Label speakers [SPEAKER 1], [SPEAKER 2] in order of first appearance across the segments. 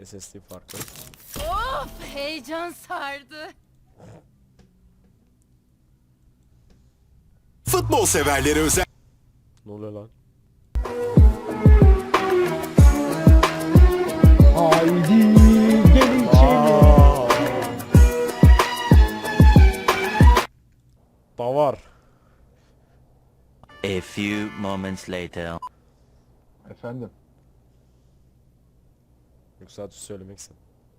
[SPEAKER 1] SSD farkı.
[SPEAKER 2] Of, heyecan sardı.
[SPEAKER 3] Futbol severleri özel.
[SPEAKER 1] Ne oluyor lan?
[SPEAKER 4] Haydi gelin içeri.
[SPEAKER 1] Da var.
[SPEAKER 5] A few moments later.
[SPEAKER 6] Efendim.
[SPEAKER 1] Yoksa sadece söylemeksin.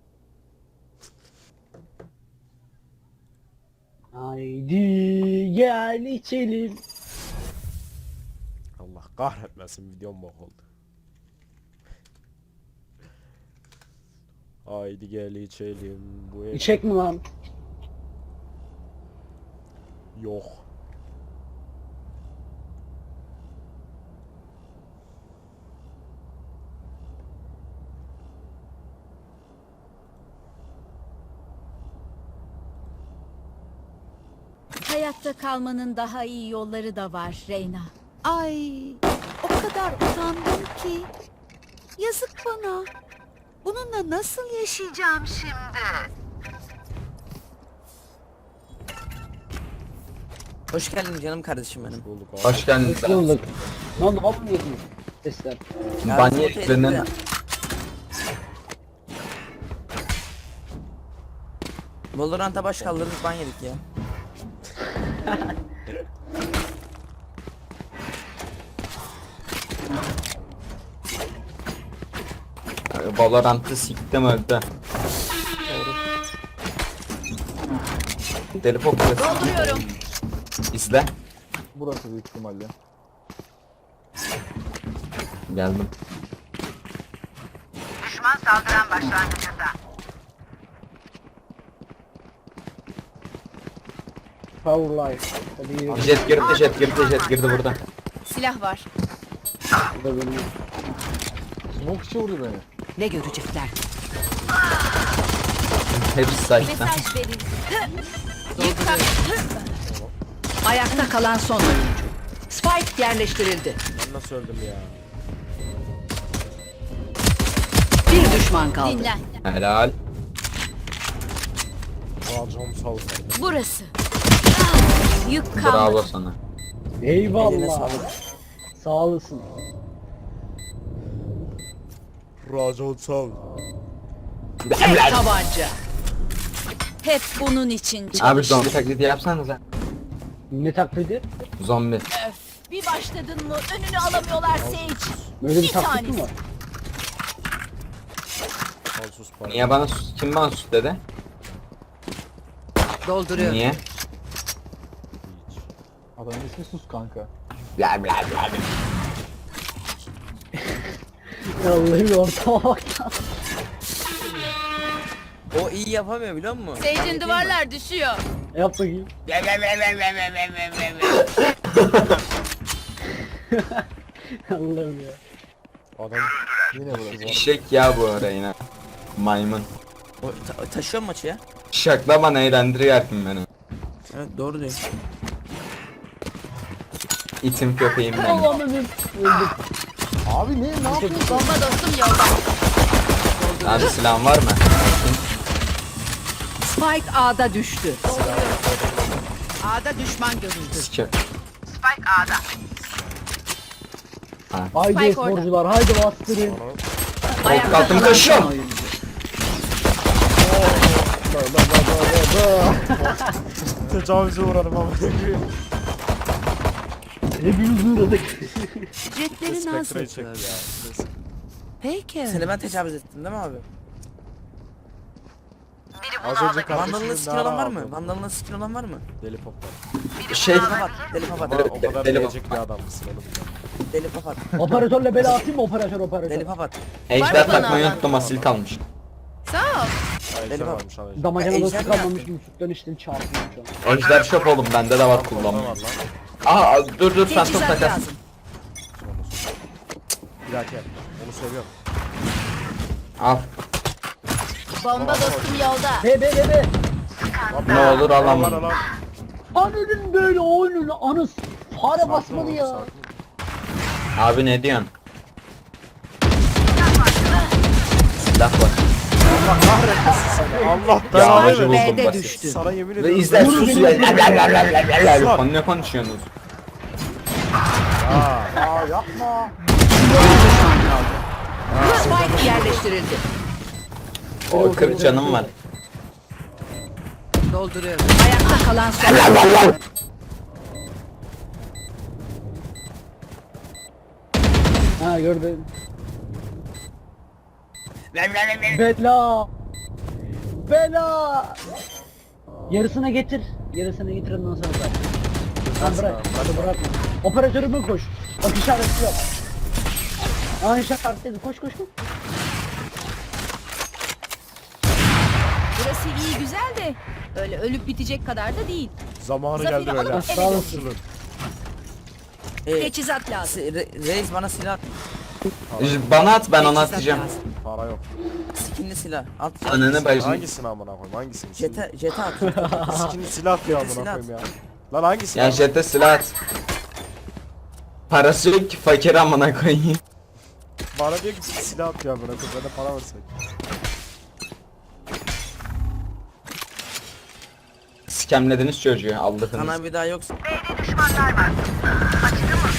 [SPEAKER 4] Haydi gel içelim.
[SPEAKER 1] Allah kahretmesin, videom bok oldu. Haydi gel içelim bu ev.
[SPEAKER 4] İçek mi lan?
[SPEAKER 1] Yok.
[SPEAKER 2] Hayatta kalmanın daha iyi yolları da var Reyna. Ay, o kadar utandım ki. Yazık bana. Bununla nasıl yaşayacağım şimdi?
[SPEAKER 7] Hoş geldin canım kardeşim benim.
[SPEAKER 1] Bulduk abi.
[SPEAKER 6] Hoş geldin.
[SPEAKER 4] Hoş bulduk. Ne oldu? Hop mu yediniz? Sesler.
[SPEAKER 6] Banyetlerini
[SPEAKER 7] Valorant'a baş kaldırdık ban yedik ya.
[SPEAKER 6] Valorant'ı siktim öldü. Deli Pop'u
[SPEAKER 2] Dolduruyorum.
[SPEAKER 6] izle.
[SPEAKER 8] Burası büyük ihtimalle.
[SPEAKER 6] Geldim.
[SPEAKER 9] Düşman saldıran başlangıcında.
[SPEAKER 4] Power life. Hadi yürü.
[SPEAKER 6] Jet girdi burada.
[SPEAKER 2] Silah var.
[SPEAKER 4] Bu da benim.
[SPEAKER 8] Smoke içi vurdu beni.
[SPEAKER 7] Ne görecekler?
[SPEAKER 6] Hepsi site'da.
[SPEAKER 2] Mesaj verildi.
[SPEAKER 10] Ayakta kalan son oyuncu. Spike yerleştirildi.
[SPEAKER 1] Ben nasıl öldüm ya?
[SPEAKER 10] Bir düşman kaldı.
[SPEAKER 2] Dinlen.
[SPEAKER 6] Helal.
[SPEAKER 1] Racon sağ olsun.
[SPEAKER 2] Burası. Ah, yük kalmadı.
[SPEAKER 6] Bravo sana.
[SPEAKER 7] Eline
[SPEAKER 4] Eyvallah.
[SPEAKER 7] sağlık.
[SPEAKER 4] Sağ olasın.
[SPEAKER 1] Racon sağ ol.
[SPEAKER 10] Tek tabanca.
[SPEAKER 2] Hep bunun için çalış.
[SPEAKER 6] Abi zombi taklidi yapsanıza.
[SPEAKER 4] Ne taklidi?
[SPEAKER 6] Zombi.
[SPEAKER 2] Öf, bir başladın mı önünü alamıyorlar Sage.
[SPEAKER 4] Böyle bir
[SPEAKER 2] Bir
[SPEAKER 4] taklit mi
[SPEAKER 2] tanesi.
[SPEAKER 4] var?
[SPEAKER 1] Al sus para.
[SPEAKER 6] Niye bana sus? Kim bana sus dedi?
[SPEAKER 10] Dolduruyorum.
[SPEAKER 6] Niye?
[SPEAKER 1] Hiç.
[SPEAKER 8] Adamın ismi sus kanka.
[SPEAKER 6] Bla bla bla.
[SPEAKER 4] Vallahi ortama bak ya.
[SPEAKER 7] O iyi yapamıyor biliyor musun?
[SPEAKER 2] Sage'in duvarlar düşüyor.
[SPEAKER 4] Yap bakayım. Allah'ım ya.
[SPEAKER 1] Adam
[SPEAKER 8] Yine burası.
[SPEAKER 6] Eşek ya bu ara yine. Maymun.
[SPEAKER 7] O taşıyor maçı ya.
[SPEAKER 6] Şakla bana eğlendiriyorsun beni.
[SPEAKER 7] Evet doğru diyor.
[SPEAKER 6] İtim köpeğim benim.
[SPEAKER 4] Allah'ım öldüm.
[SPEAKER 8] Abi ne yapıyorsun?
[SPEAKER 2] Bomba dostum yolda.
[SPEAKER 6] Abi silahın var mı?
[SPEAKER 10] Spike A'da düştü. A'da düşman görüldü.
[SPEAKER 6] Sikir.
[SPEAKER 9] Spike A'da.
[SPEAKER 4] Haydi
[SPEAKER 2] Spike orada.
[SPEAKER 4] sporcular haydi bastırın.
[SPEAKER 10] Ayakta
[SPEAKER 6] Kalktım,
[SPEAKER 10] kalan
[SPEAKER 6] koşuyorum.
[SPEAKER 10] son oyuncu.
[SPEAKER 1] tecavüze uğradım ama.
[SPEAKER 4] Hepimiz uğradık.
[SPEAKER 10] Jetleri naz
[SPEAKER 1] Spektra'yı çek ya.
[SPEAKER 10] yapıyor.
[SPEAKER 1] Neyse.
[SPEAKER 10] Peki.
[SPEAKER 7] Seni ben tecavüz ettim değil mi abi?
[SPEAKER 1] Az önce
[SPEAKER 7] Vandalına
[SPEAKER 1] kardeşimin
[SPEAKER 7] skill olan var mı?
[SPEAKER 1] aldım.
[SPEAKER 7] Vandalına skill olan var mı?
[SPEAKER 1] Deli poplar.
[SPEAKER 6] Şey
[SPEAKER 7] Deli papat. Deli papat.
[SPEAKER 1] O kadar
[SPEAKER 6] Deli
[SPEAKER 1] diyecek bir adam mısın oğlum?
[SPEAKER 7] Deli papat.
[SPEAKER 4] Operatörle bela atayım mı operatör?
[SPEAKER 7] Deli papat.
[SPEAKER 6] ejder
[SPEAKER 2] Var mı
[SPEAKER 6] takmayı
[SPEAKER 2] bana?
[SPEAKER 6] unuttum, asil kalmış.
[SPEAKER 2] Sağ ol.
[SPEAKER 1] Ejder
[SPEAKER 7] Deli
[SPEAKER 1] varmış lan ejder.
[SPEAKER 4] Damacana
[SPEAKER 7] Ejder
[SPEAKER 4] nasıl
[SPEAKER 7] mi
[SPEAKER 4] kalmamış
[SPEAKER 7] yaptın?
[SPEAKER 4] gibi sütten içtim çarptım şu an.
[SPEAKER 6] Ejder şop oğlum, bende de var
[SPEAKER 1] Orada
[SPEAKER 6] kullanma.
[SPEAKER 1] var lan.
[SPEAKER 6] Aa dur Phantom
[SPEAKER 10] Teçhizat
[SPEAKER 6] takas.
[SPEAKER 10] lazım.
[SPEAKER 1] Bir dakika. Onu seviyorum.
[SPEAKER 6] Al.
[SPEAKER 2] Bomba dostum yolda.
[SPEAKER 4] Be.
[SPEAKER 6] Ne olur
[SPEAKER 1] Aman
[SPEAKER 6] alamam.
[SPEAKER 1] aman.
[SPEAKER 4] Ananın böyle oyunun anıs. Fare
[SPEAKER 1] Sakin
[SPEAKER 4] basmadı
[SPEAKER 1] ol,
[SPEAKER 4] ya.
[SPEAKER 1] sakin ol.
[SPEAKER 6] Abi ne diyorsun? Silah var.
[SPEAKER 1] Allah kahretmesin seni. Allah
[SPEAKER 6] Ya
[SPEAKER 1] belanı
[SPEAKER 6] acı
[SPEAKER 1] versin.
[SPEAKER 6] buldum
[SPEAKER 10] B'de
[SPEAKER 6] basit.
[SPEAKER 10] düştü.
[SPEAKER 1] Sana yemin
[SPEAKER 6] Ve
[SPEAKER 1] ediyorum.
[SPEAKER 6] izler sus ya.
[SPEAKER 1] Sus.
[SPEAKER 6] Konu ne konuşuyorsunuz?
[SPEAKER 8] Aa yapma.
[SPEAKER 10] Spike yerleştirildi.
[SPEAKER 6] O 40 canım var.
[SPEAKER 10] Dolduruyorum. Ayakta kalan son.
[SPEAKER 4] Ha gördüm. Bela. Bela. Yarısına getir. Yarısına getir ondan sonra bırak. Lan bırak. Hadi bırakma. Operatörüme koş. Bak işareti yok. Aa işaretledi. Koş koş koş.
[SPEAKER 2] Burası iyi güzel de öyle ölüp bitecek kadar da değil.
[SPEAKER 1] Zamanı
[SPEAKER 2] Zaferi
[SPEAKER 1] geldi
[SPEAKER 2] alıp
[SPEAKER 1] böyle.
[SPEAKER 2] eve
[SPEAKER 4] Sağ olasın.
[SPEAKER 1] Açılın.
[SPEAKER 2] Teçhizat lazım.
[SPEAKER 7] Reis bana silah.
[SPEAKER 6] Bana at ben onu
[SPEAKER 10] Teçhizat
[SPEAKER 6] atacağım.
[SPEAKER 10] lazım.
[SPEAKER 1] Para yok.
[SPEAKER 7] Skinli silah. At.
[SPEAKER 6] Ananı bacını.
[SPEAKER 1] Hangisini amına koyayım? Hangisini?
[SPEAKER 7] Jete at.
[SPEAKER 1] Skin silah diyor amına
[SPEAKER 7] Silah.
[SPEAKER 1] koyayım ya. Lan hangisi?
[SPEAKER 6] Ya jete silah at. Parası yok ki fakir amına koyayım.
[SPEAKER 1] Bana diyor ki silah atıyor amına koyayım. Ben de para versek.
[SPEAKER 6] Skemlediniz çocuğu Allah'ınız.
[SPEAKER 7] Sana bir daha yoksa.
[SPEAKER 9] B'de düşmanlar var. Açtı mı?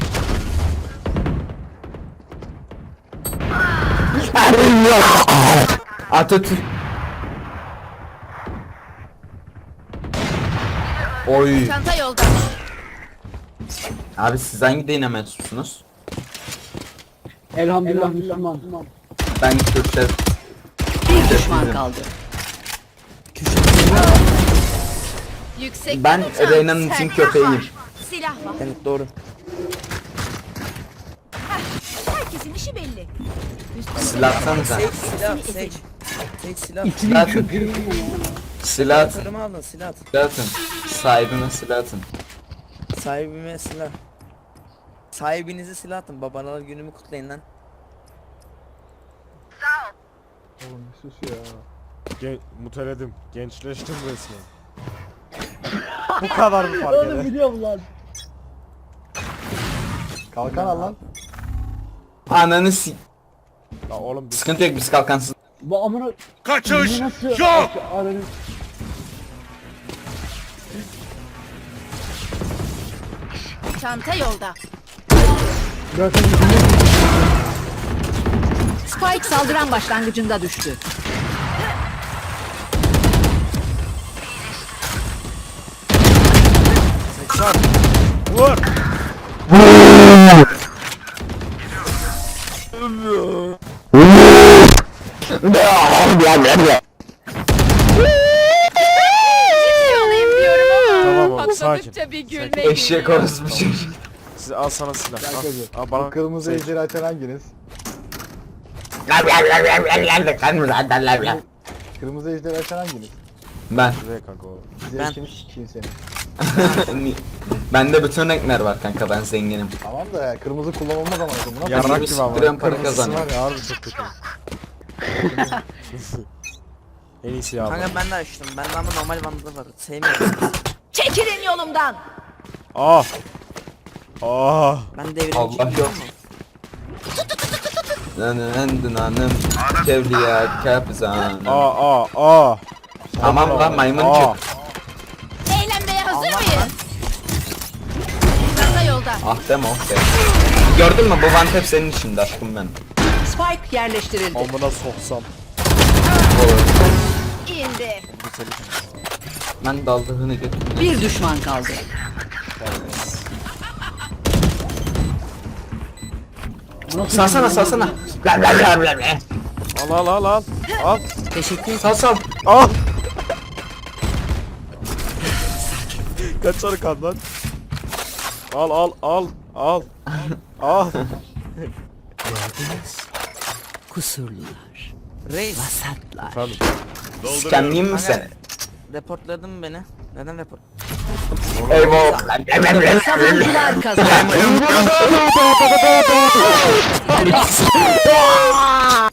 [SPEAKER 6] Atatürk. Oy.
[SPEAKER 2] Çanta yolda.
[SPEAKER 6] Abi siz hangi dine mensupsunuz?
[SPEAKER 4] Elhamdülillah Müslüman.
[SPEAKER 6] Ben Kürt'te.
[SPEAKER 10] Bir düşman kaldı.
[SPEAKER 2] Yüksek
[SPEAKER 6] Ben
[SPEAKER 2] uçan.
[SPEAKER 6] Reyna'nın için
[SPEAKER 2] Silah
[SPEAKER 6] köpeğiyim.
[SPEAKER 2] var. Silah var.
[SPEAKER 7] Evet doğru.
[SPEAKER 2] Herkesin işi belli. Üstüne
[SPEAKER 6] Silah atsanıza.
[SPEAKER 7] Seç silah. Seç. Seç silah.
[SPEAKER 6] Silah atın. Silah atın.
[SPEAKER 7] Operatörümü alın silah at.
[SPEAKER 6] Silah atın. Sahibine silah atın.
[SPEAKER 7] Sahibime silah. Sahibinize silah atın. Babalar günümü kutlayın lan.
[SPEAKER 8] Oğlum bir sus ya.
[SPEAKER 1] Muteledim. Gençleştim resmen. Bu kadar mı fark
[SPEAKER 4] Oğlum
[SPEAKER 1] eder?
[SPEAKER 4] biliyorum lan.
[SPEAKER 8] Kalkan al lan.
[SPEAKER 6] Ananı si...
[SPEAKER 1] La oğlum biz
[SPEAKER 6] Sıkıntı yok biz kalkansız.
[SPEAKER 4] Bu amına...
[SPEAKER 1] kaçış
[SPEAKER 4] Nasıl?
[SPEAKER 1] yok.
[SPEAKER 4] Ananı...
[SPEAKER 2] çanta yolda.
[SPEAKER 4] Zaten
[SPEAKER 10] Spike saldıran başlangıcında düştü.
[SPEAKER 1] Sen vur.
[SPEAKER 2] Olayım diyorum ama
[SPEAKER 1] Tamam oğlum sakin.
[SPEAKER 2] patladıkça bir gülme
[SPEAKER 6] Eşek
[SPEAKER 2] geliyor.
[SPEAKER 6] orospu çocuk.
[SPEAKER 1] Siz al sana silah.
[SPEAKER 8] Kankacı.
[SPEAKER 1] Al
[SPEAKER 8] Bu
[SPEAKER 1] bana
[SPEAKER 8] kırmızı
[SPEAKER 1] seç.
[SPEAKER 8] ejderi açan hanginiz? Kırmızı ejderi açan hanginiz?
[SPEAKER 6] Ben.
[SPEAKER 1] Şuraya kanka oğlum.
[SPEAKER 8] Zevkini sikeyim seni.
[SPEAKER 6] Bende bütün renkler var kanka ben zenginim.
[SPEAKER 8] Tamam da ya, kırmızı kullanılmaz ama buna
[SPEAKER 1] Yarrak
[SPEAKER 6] Kırmızı
[SPEAKER 1] gibi ama.
[SPEAKER 6] sıktırıyorum, para
[SPEAKER 1] Kırmızısı
[SPEAKER 6] kazanıyorum.
[SPEAKER 1] var ya harbi çok kötü. En iyisi ya.
[SPEAKER 7] Kanka ben de açtım. Bende ama normal bandı var. Sevmiyorum.
[SPEAKER 2] Çekilin yolumdan.
[SPEAKER 1] Ah. Ah.
[SPEAKER 7] Ben devrim
[SPEAKER 6] Allah yok. Nanın hanım Kevliya kapzanım.
[SPEAKER 1] Ah.
[SPEAKER 6] Tamam lan maymuncuk.
[SPEAKER 2] Eğlenmeye hazır mıyız? Çanta yolda.
[SPEAKER 6] Ah deme oh be. Gördün mü bu vantep senin içinde aşkım ben.
[SPEAKER 10] Spike yerleştirildi.
[SPEAKER 1] Amına soksam.
[SPEAKER 2] İndi.
[SPEAKER 1] Bu senin.
[SPEAKER 6] Ben daldığını götürdüm.
[SPEAKER 10] Bir düşman kaldı.
[SPEAKER 6] Salsana salsana.
[SPEAKER 1] Al. Al.
[SPEAKER 10] Teşekkür ederim.
[SPEAKER 6] Sal.
[SPEAKER 1] Al. Kaç sarı kan lan? Al.
[SPEAKER 10] Kusurlular.
[SPEAKER 7] Reis.
[SPEAKER 10] Vasatlar.
[SPEAKER 1] Efendim.
[SPEAKER 6] Skemleyeyim mi
[SPEAKER 7] Kanka
[SPEAKER 6] seni?
[SPEAKER 7] reportladın beni. Neden report?
[SPEAKER 6] Eyvah.
[SPEAKER 10] Savunucular kazandı.